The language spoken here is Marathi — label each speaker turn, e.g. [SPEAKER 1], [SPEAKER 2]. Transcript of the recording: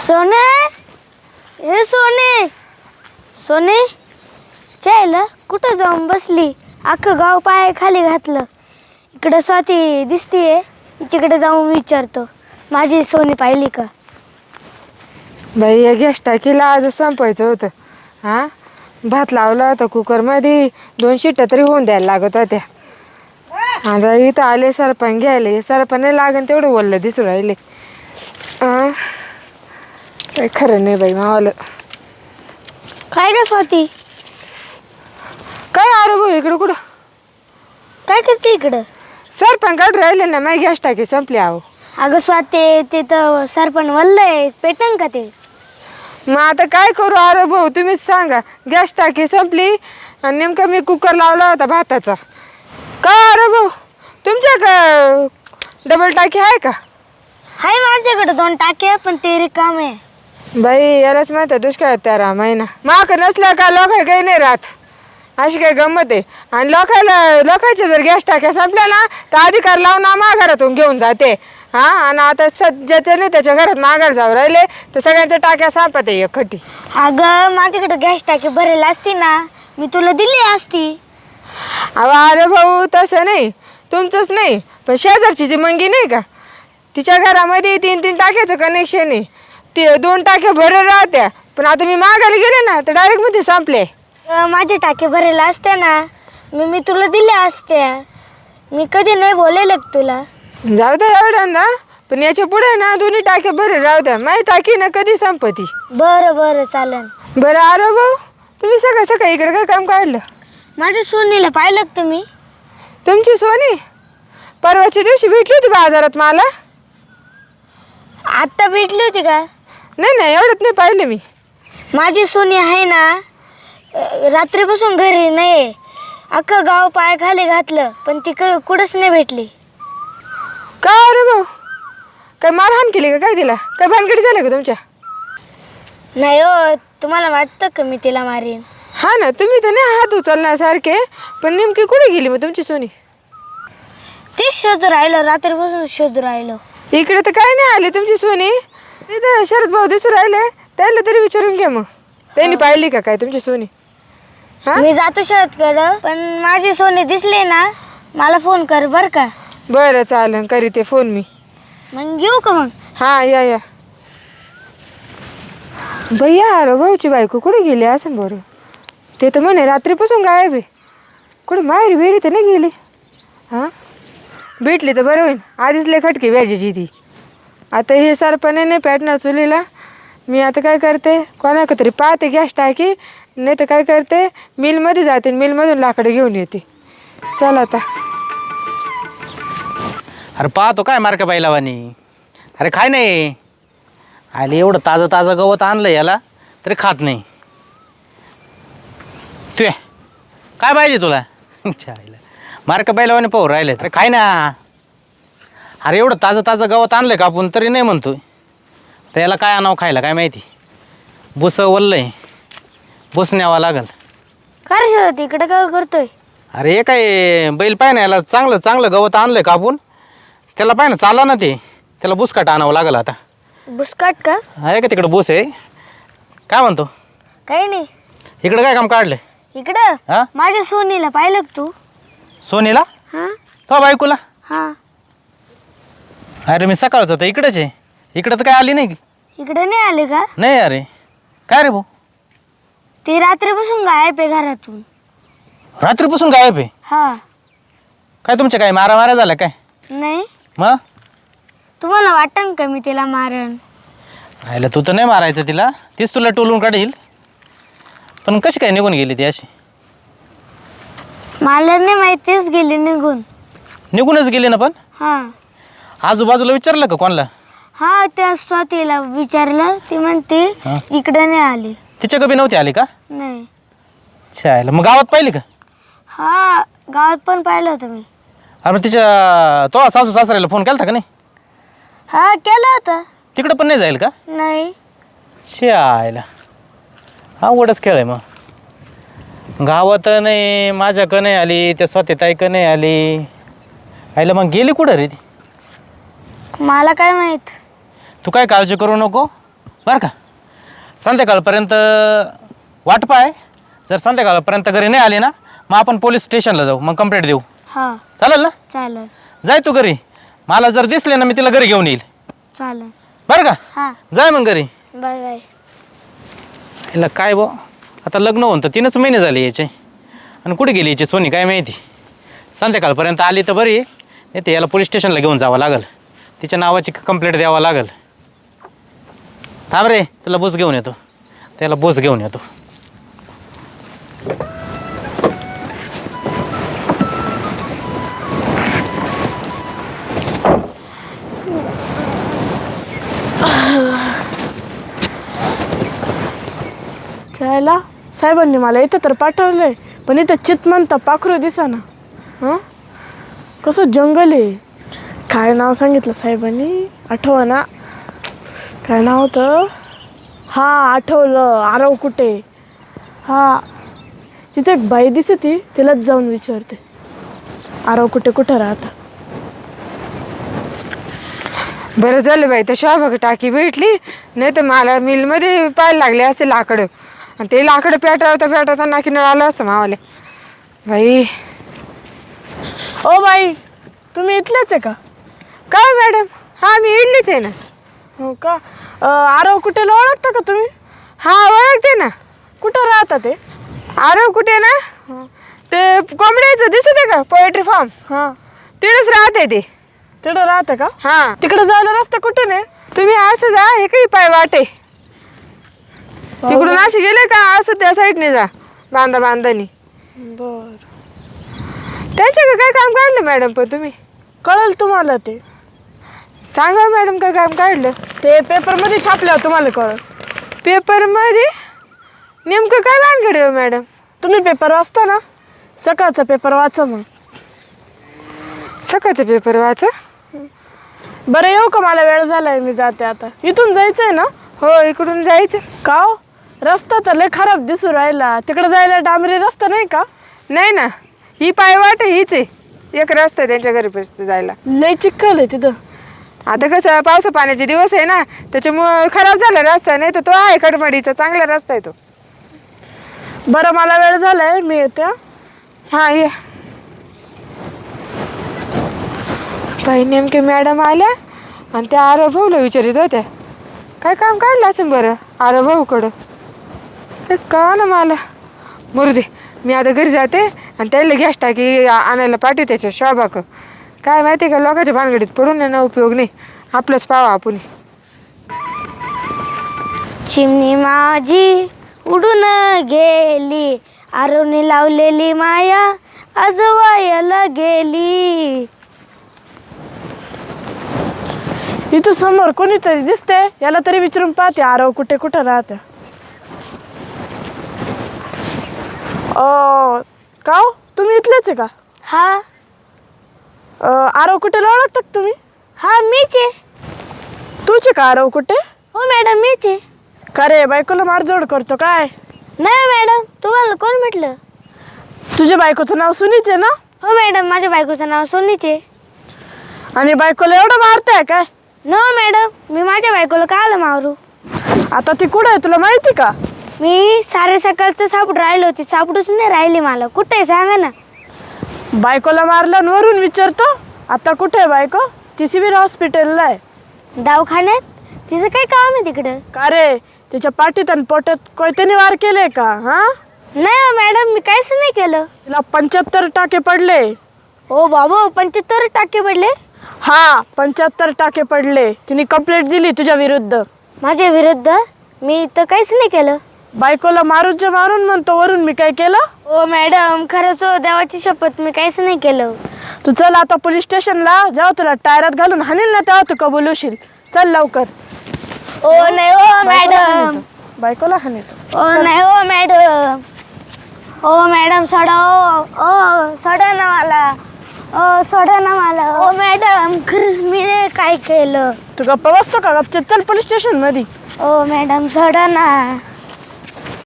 [SPEAKER 1] सोने, हे सोने, सोने, चायला कुठं जाऊन बसली? अख्खं गाव पाय खाली घातलं. इकडं स्वाती दिसतीये, तिच्याकडे जाऊन विचारतो माझी सोनी पाहिली का.
[SPEAKER 2] बाई या गॅस टाकीला आज संपायचं होतं. हां, भात लावला होता कुकरमध्ये, 2 शिट्ट्या तरी होऊन द्यायला लागत होत्या. आता इथं आले सरपण घ्यायले, सरपण नाही लागन तेवढं वल्ल दिसू राहिले. काही खरं नाही बाई मावाला.
[SPEAKER 1] काय ग स्वाती,
[SPEAKER 2] काय अरे भाऊ इकडं कुठं
[SPEAKER 1] काय करते इकडं?
[SPEAKER 2] सरपण काढून राहिले ना, माझी गॅस टाकी संपली आहो.
[SPEAKER 1] अगं स्वाती, ते तर सरपण वल्लय, पेटन का ते?
[SPEAKER 2] मग आता काय करू अरे भाऊ, तुम्हीच सांगा. गॅस टाकी संपली आणि नेमकं मी कुकर लावला होता भाताचा. काय अरे भाऊ, तुमच्या का डबल टाकी आहे का?
[SPEAKER 1] हाय माझ्याकडे 2 टाक्या, पण ते रिकाम आहे.
[SPEAKER 2] बाई यालाच माहिती दुष्काळ 13 महिना माक नसल्या का लोक काही नाही राहत. अशी काही गंमत आहे. आणि लोकांच्या जर गॅस टाक्या संपल्या ना तर अधिकार लावून घरातून घेऊन जाते. हां, आणि आता ज्याच्या नाही त्याच्या घरात माघार जाऊ राहिले तर सगळ्यांच्या टाक्या संपत आहे एकखटी.
[SPEAKER 1] अगं माझ्याकडे गॅस टाकी भरेल असती ना, मी तुला दिली असती.
[SPEAKER 2] अहो अरे भाऊ तसं नाही, तुमचंच नाही पण शेजारची जी मंगी नाही का, तिच्या घरामध्ये 3-3 टाक्याचं कनेक्शन आहे. ते 2 टाक्या भरेल राहत्या, पण आता मी मागायला गेले ना तर डायरेक्ट मध्ये संपले.
[SPEAKER 1] माझे टाके भरेल असते ना, मी तुला दिल्या असत्या. मी कधी नाही बोलेल तुला.
[SPEAKER 2] जाऊ द्या एवढ्यांदा, पण याच्या पुढे ना 2 टाक्या भरेल राहू द्या. माझी टाकी ना कधी संपती.
[SPEAKER 1] बरं बरं चालेल.
[SPEAKER 2] बरं अरे भाऊ, तुम्ही सकाळी इकडे काय काम काढलं?
[SPEAKER 1] माझ्या सोनीला पाहिलं का तुम्ही?
[SPEAKER 2] तुमची सोनी परवाच्या दिवशी भेटली होती बाजारात मला.
[SPEAKER 1] आत्ता भेटली होती का?
[SPEAKER 2] नाही एवढ्यात नाही पाहिलं मी.
[SPEAKER 1] माझी सोनी आहे ना, रात्रीपासून घरी नाही. अख्खं गाव पाय खाली घातलं, पण ती कुठंच नाही भेटली.
[SPEAKER 2] का अरे भाऊ, काय मारहाण केली का काय तिला? काय भानगडी झाली का तुमच्या?
[SPEAKER 1] नाही हो, तुम्हाला वाटतं का मी तिला मारीन?
[SPEAKER 2] हा ना, तुम्ही तर नाही हात उचलण्यासारखे, पण नेमकी कुठे गेली मग तुमची सोनी?
[SPEAKER 1] तीच शोधू राहिलो, रात्रीपासून शोधू राहिलो.
[SPEAKER 2] इकडे तर काय नाही आली तुमची सोनी. तिथं शरद भाऊ दिसू राहिले, त्याला तरी विचारून घ्या मग, त्यांनी पाहिली का काय तुमची सोनी? हा,
[SPEAKER 1] मी जातो शरदकडं, पण माझी सोनी दिसली ना मला फोन कर बर का.
[SPEAKER 2] बरं चालेल, करीते फोन मी.
[SPEAKER 1] मग येऊ का मग?
[SPEAKER 2] हां या. भैया अरे भाऊची बायको कुठे गेली असं बरं? ते तर म्हणे रात्रीपासून गायब आहे. कुठे माहेरी बेरी तर नाही गेली? हां, भेटली तर बरं होईल. आधीच लय खटकी व्याजाची ती. आता हे सरपणे नाही पेटणार चुलीला. मी आता काय करते, कोणाकडे तरी पाहते गॅस टाकी, नाही तर काय करते मिलमध्ये जाते, मिलमधून लाकडं घेऊन येते. चल आता.
[SPEAKER 3] अरे पाहतो काय मार्का बैलावानी. अरे काय नाही आले, एवढं ताजं गवत आणलं याला तरी खात नाही. तू काय पाहिजे तुला? मार्का बैलावानी पाहू राहिले तर काय ना. अरे एवढं ताजं गवत आणलं का आपण तरी नाही म्हणतोय. तर याला काय आणावं खायला काय माहिती. बुस वल्लंय, बुस न्यावा लागल.
[SPEAKER 1] काय शरद इकडे काय करतोय?
[SPEAKER 3] अरे हे काय बैल पाय ना, याला चांगलं गवत आणलंय का आपण, त्याला पाय ना चाला ना ते, त्याला बुसकाट आणावं लागल आता.
[SPEAKER 1] बुसकाट का?
[SPEAKER 3] आहे का तिकडं बुस आहे? काय म्हणतो?
[SPEAKER 1] काही नाही.
[SPEAKER 3] इकडं काय काम काढलं?
[SPEAKER 1] इकडं
[SPEAKER 3] हा,
[SPEAKER 1] माझ्या सोनीला पाहिलं का तू?
[SPEAKER 3] सोनीला?
[SPEAKER 1] हा
[SPEAKER 3] तो बायकोला?
[SPEAKER 1] हा.
[SPEAKER 3] अरे मी सकाळचं तर इकडंच आहे. इकडं तर काय आली नाही.
[SPEAKER 1] इकडे नाही आले का?
[SPEAKER 3] नाही अरे. काय रे भाऊ,
[SPEAKER 1] ती रात्रीपासून गायब आहे घरातून.
[SPEAKER 3] रात्रीपासून गायब आहे?
[SPEAKER 1] हा.
[SPEAKER 3] काय तुमच्या काय मारा झाल्या काय?
[SPEAKER 1] नाही.
[SPEAKER 3] मग
[SPEAKER 1] तुम्हाला वाटन का मी तिला मारण?
[SPEAKER 3] आयला तू तर नाही मारायचं तिला, तीच तुला टोलून काढील. पण कशी काय निघून गेली ती अशी?
[SPEAKER 1] मला नाही माहितीच, गेली
[SPEAKER 3] निघूनच गेली ना. पण
[SPEAKER 1] हा.
[SPEAKER 3] आजूबाजूला विचारलं का कोणाला?
[SPEAKER 1] हा, त्या स्वातीला विचारलं, ती म्हणते
[SPEAKER 3] हा.
[SPEAKER 1] इकडे नाही आली.
[SPEAKER 3] तिच्या कबी नव्हती आली का?
[SPEAKER 1] नाही.
[SPEAKER 3] शाळेला मग गावात पाहिली का?
[SPEAKER 1] हा, गावात पण पाहिलं होतं मी.
[SPEAKER 3] अरे मग तिच्या तो सासू सासऱ्याला फोन केला का नाही?
[SPEAKER 1] हा, केलं होतं.
[SPEAKER 3] तिकडं पण नाही जाईल का?
[SPEAKER 1] नाही.
[SPEAKER 3] शाळेला अवघडच खेळ आहे. मग गावात नाही, माझ्याकडं नाही आली, त्या स्वातीताईकडं नाही आली. आईला मग गेली कुठं रे ती?
[SPEAKER 1] मला काय माहित.
[SPEAKER 3] तू काय काळजी करू नको. बरं का. संध्याकाळपर्यंत वाट पाय. जर संध्याकाळपर्यंत घरी नाही आली ना मग आपण पोलीस स्टेशनला जाऊ, मग कंप्लेंट देऊ.
[SPEAKER 1] हा
[SPEAKER 3] चालेल ना?
[SPEAKER 1] चालेल
[SPEAKER 3] जाय तू घरी. मला जर दिसले ना मी तिला घरी घेऊन येईल.
[SPEAKER 1] चालेल.
[SPEAKER 3] बरं का.
[SPEAKER 1] हा
[SPEAKER 3] जाय मग घरी.
[SPEAKER 1] Bye bye.
[SPEAKER 3] हिला काय बो, आता लग्न होऊन तर 3च महिने झाले याचे, आणि कुठे गेली याची सोनी काय माहिती. संध्याकाळपर्यंत आली तर बरी, नाही ते याला पोलीस स्टेशनला घेऊन जावं लागल, तिच्या नावाची कंप्लेंट द्यावं लागल. थांब रे, तुला बूस घेऊन येतो. त्याला बूस घेऊन येतो.
[SPEAKER 4] त्याला साहेबांनी मला इथं तर पाठवलंय, पण इथं चितमंत पाखरू दिसाना. हां कसं जंगल आहे. काय नाव सांगितलं साहेबांनी, आठवा ना काय नाव होतं. हां आठवलं, आरव कुठे. हां तिथे एक बाई दिसती, तिलाच जाऊन विचारते आरव कुठे कुठं राहतं.
[SPEAKER 2] बरं झालं बाई, तर शोभा टाकी भेटली, नाही तर मला मिलमध्ये पाहायला लागले असते लाकडं, आणि ते लाकडं पेटवता नाकीनं आलं असतं मावाले. बाई
[SPEAKER 4] ओ बाई, तुम्ही इथलेच आहे का?
[SPEAKER 2] काय मॅडम? हां मी इडलीच आहे ना.
[SPEAKER 4] हो का. आरव कुठेला ओळखता का तुम्ही?
[SPEAKER 2] हां ओळखते ना.
[SPEAKER 4] कुठं राहता ते?
[SPEAKER 2] आरव कुठे ना, ते कोंबड्याचं दिसत आहे का पोएट्री फार्म,
[SPEAKER 4] हां
[SPEAKER 2] तिथेच राहते ते.
[SPEAKER 4] तिकडं राहतं का?
[SPEAKER 2] हां
[SPEAKER 4] तिकडे जायला रस्ता कुठे नाही?
[SPEAKER 2] तुम्ही असं जा, हे काही पाय वाटे तिकडून असे गेले का असं त्या साईडने जा, बांधानी.
[SPEAKER 4] बर
[SPEAKER 2] त्यांच्या काय काम काढलं मॅडम? पण तुम्ही
[SPEAKER 4] कळेल तुम्हाला ते.
[SPEAKER 2] सांगा मॅडम काय काम काढलं
[SPEAKER 4] ते पेपरमध्ये छापल्यावर तुम्हाला कळेल.
[SPEAKER 2] पेपरमध्ये? नेमकं काय भानगड आहे मॅडम?
[SPEAKER 4] तुम्ही पेपर वाचता ना, सकाळचा पेपर वाचा मग.
[SPEAKER 2] सकाळचं पेपर वाचा.
[SPEAKER 4] बरं येऊ का, मला वेळ झालाय, मी जाते आता. इथून जायचंय ना?
[SPEAKER 2] हो इकडून जायचं.
[SPEAKER 4] का हो, रस्ता तर लय खराब दिसू राहिला. तिकडे जायला डांबरी रस्ता नाही का?
[SPEAKER 2] नाही ना, ही पाय वाट हीच आहे, एक रस्ता आहे त्यांच्या घरीपर्यंत जायला.
[SPEAKER 4] लय चिखल आहे तिथं.
[SPEAKER 2] आता कसं पावसा पाण्याचे दिवस आहे ना, त्याच्यामुळं खराब झाला रस्ता, नाही तर तो आहे कडमडीचा चांगला रस्ता आहे तो.
[SPEAKER 4] बरं मला वेळ झालाय, मी येते.
[SPEAKER 2] हां ये. बाई नेमके मॅडम आल्या आणि त्या आरव भाऊला विचारित होत्या काय काम काढलं असं बरं आरव भाऊकडं. ते का ना मला मरू दे, मी आता घरी जाते आणि त्याला गॅस टाकी आणायला पाठवते त्याच्या शोभाक. काय माहिती का, लोकांच्या भानगडीत पडून ना उपयोग नाही, आपलंच पावा आपण.
[SPEAKER 1] चिमणी माझी उडून गेली, आरवने लावलेली माया आज वायाला गेली.
[SPEAKER 4] इथं समोर कोणीतरी दिसते, याला तरी विचारून पाहते आरव कुठे कुठं राहते. का हो, तुम्ही इथलेच आहे का?
[SPEAKER 1] हा
[SPEAKER 4] आरव कुठेला ओळखता का तुम्ही?
[SPEAKER 1] हा मीच आहे.
[SPEAKER 4] तुझे का आरव कुठे?
[SPEAKER 1] हो मॅडम मीच आहे.
[SPEAKER 4] का रे, बायकोला मारजोड करतो काय?
[SPEAKER 1] नाही मॅडम, तुम्हाला कोण म्हटलं?
[SPEAKER 4] तुझ्या बायकोचं नाव सुनीच आहे ना?
[SPEAKER 1] हो मॅडम, माझ्या बायकोचं नाव सोनीच आहे.
[SPEAKER 4] आणि बायकोला एवढं मारताय काय?
[SPEAKER 1] नो मॅडम, मी माझ्या बायकोला का आलं मारू?
[SPEAKER 4] आता ती कुठं आहे तुला माहिती का?
[SPEAKER 1] मी सारे सकाळचं सापड राहिलो होती, सापडूच नाही राहिली मला. कुठे आहे सांगा ना.
[SPEAKER 4] बायकोला मारलं आणि वरून विचारतो आता कुठे आहे बायको? ती सिव्हिल हॉस्पिटलला आहे.
[SPEAKER 1] दवाखान्यात? तिचं काय काम आहे तिकडं?
[SPEAKER 4] का रे, तिच्या पाठीत आणि पोटात कोयत्याने वार केले का? हा
[SPEAKER 1] नाही हो मॅडम, मी काहीच नाही केलं.
[SPEAKER 4] तिला 75 टाके पडले.
[SPEAKER 1] हो बाबू, 75 टाके पडले?
[SPEAKER 4] हा 75 टाके पडले. तिने कंप्लेंट दिली तुझ्या विरुद्ध.
[SPEAKER 1] माझ्या विरुद्ध? मी तर काहीच नाही केलं.
[SPEAKER 4] बायकोला मारूनच्या मारून म्हणतो वरून मी काय केलं?
[SPEAKER 1] हो मॅडम, खरंच हो, देवाची शपथ मी काहीच नाही केलं.
[SPEAKER 4] तू चल आता पोलीस स्टेशनला, जेव्हा तुला टायरात घालून हाणील ना तेव्हा तू कबूल होशील. चल लवकर.
[SPEAKER 1] हो नाही हो मॅडम.
[SPEAKER 4] बायकोला हाणीतो.
[SPEAKER 1] हो नाही हो मॅडम. हो मॅडम सोडा. हो सोडा ना मला. हो सोडा ना मला. हो मॅडम, खरंच मी नाही काय केलं.
[SPEAKER 4] तू गप्पा बसतो का? गपचित चल पोलीस स्टेशन मध्ये.
[SPEAKER 1] हो मॅडम सोडा ना.